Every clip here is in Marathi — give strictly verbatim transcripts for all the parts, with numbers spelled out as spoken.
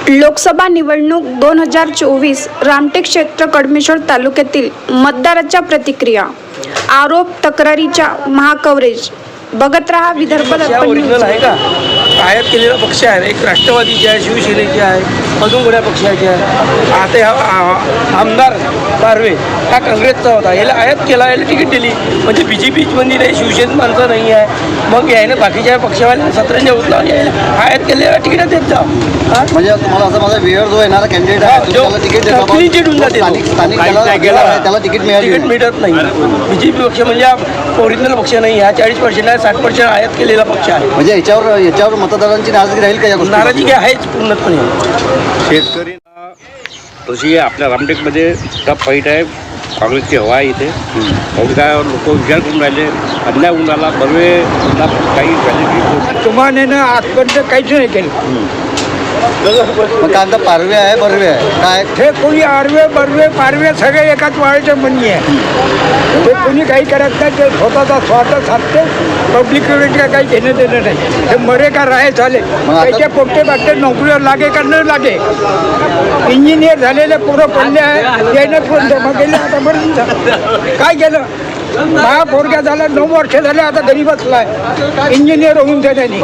लोकसभा निवडणूक दोन हजार चोवीस रामटेक क्षेत्र कडमेश्वर तालुक्यातील मतदाराच्या प्रतिक्रिया, आरोप तक्रारीच्या महाकवरेज बघत रहा विदर्भ दर्पण ओरिजिनल आहे का? आयात केलेला पक्ष आहे, एक राष्ट्रवादीचे आहे, शिवसेनेचे आहे, अजून कोण्या पक्षाचे आहे. आता ह्या आमदार पारवे हा काँग्रेसचा होता, याला आयात केला, याला तिकीट दिली, म्हणजे बी जे पीची नाही, शिवसेनेत माणसं नाही आहे. मग यायनं बाकीच्या पक्षावाल्या सतरांच्या होत आयात केलेला तिकीट देत जा. म्हणजे तुम्हाला असं माझा वेळ जो येणारा कॅन्डिडेट आहे त्याला तिकीट स्थानिक त्याला तिकीट तिकीट मिळत नाही. बीजेपी पक्ष म्हणजे ओरिजिनल पक्ष नाही, हा चाळीस पर्सेंट आहे, साठ पर्सेंट आयात केलेला पक्ष आहे. म्हणजे याच्यावर याच्यावर मतदारांची नाराजगी राहील का? या गोष्टी नाराजगी काय आहेच पूर्णपणे. शेतकरी तशी आपल्या रामटेकमध्ये टफ फाईट आहे, काँग्रेसची हवा आहे इथे. मग काय लोक विचार करून राहिले, अन्याय होऊन राहिला, बर्वे काही व्हॅलिडिटी तुम्हाला आजपर्यंत काहीच नाही केलं. मग काय पारवे आहे बर्वे आहे काय? हे कोणी आरवे बर्वे पारवे सगळे एकाच वाळीच्या म्हणणी आहे. ते कोणी काही करत नाही, ते स्वतःचा स्वार्थ साधते, पब्लिककडे काही घेणं देणं नाही. ते मरे का राहे झाले, त्याचे पोट्टे बागटे नोकरीवर लागे का न लागे. इंजिनियर झालेले पोरं पडले आहे, त्याने पण जमा केले, आता बरं काय केलं. माझा पोरग्या झाला, नऊ वर्ष झाले, आता घरी बसलाय इंजिनियर होऊन त्याने.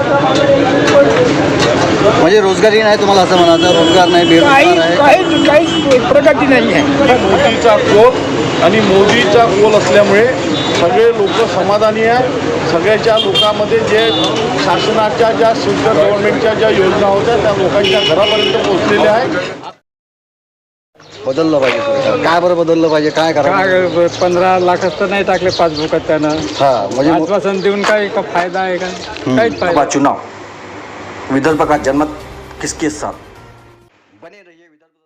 म्हणजे रोजगारी नाही तुम्हाला असं म्हणायचं? रोजगार नाही, बेरोजगार आहे, काही काही प्रगती नाही आहे. मोदीचा कोल आणि मोदीचा कोल असल्यामुळे सगळे लोक समाधानी आहे. सगळ्याच्या लोकांमध्ये जे शासनाच्या ज्या सेंट्रल गव्हर्नमेंटच्या ज्या योजना होत्या त्या लोकांच्या घरापर्यंत पोहोचलेल्या आहेत. बदललं पाहिजे सरकार. काय बरं बदललं पाहिजे? काय करा? काय पंधरा लाखच तर नाही टाकले पासबुकात त्यानं. हा म्हणजे आश्वासन देऊन काही का फायदा आहे का? काहीच फायदा. चुनाव विदर्भ का जनमत किसके साथ? बने रहिए विदर्भ.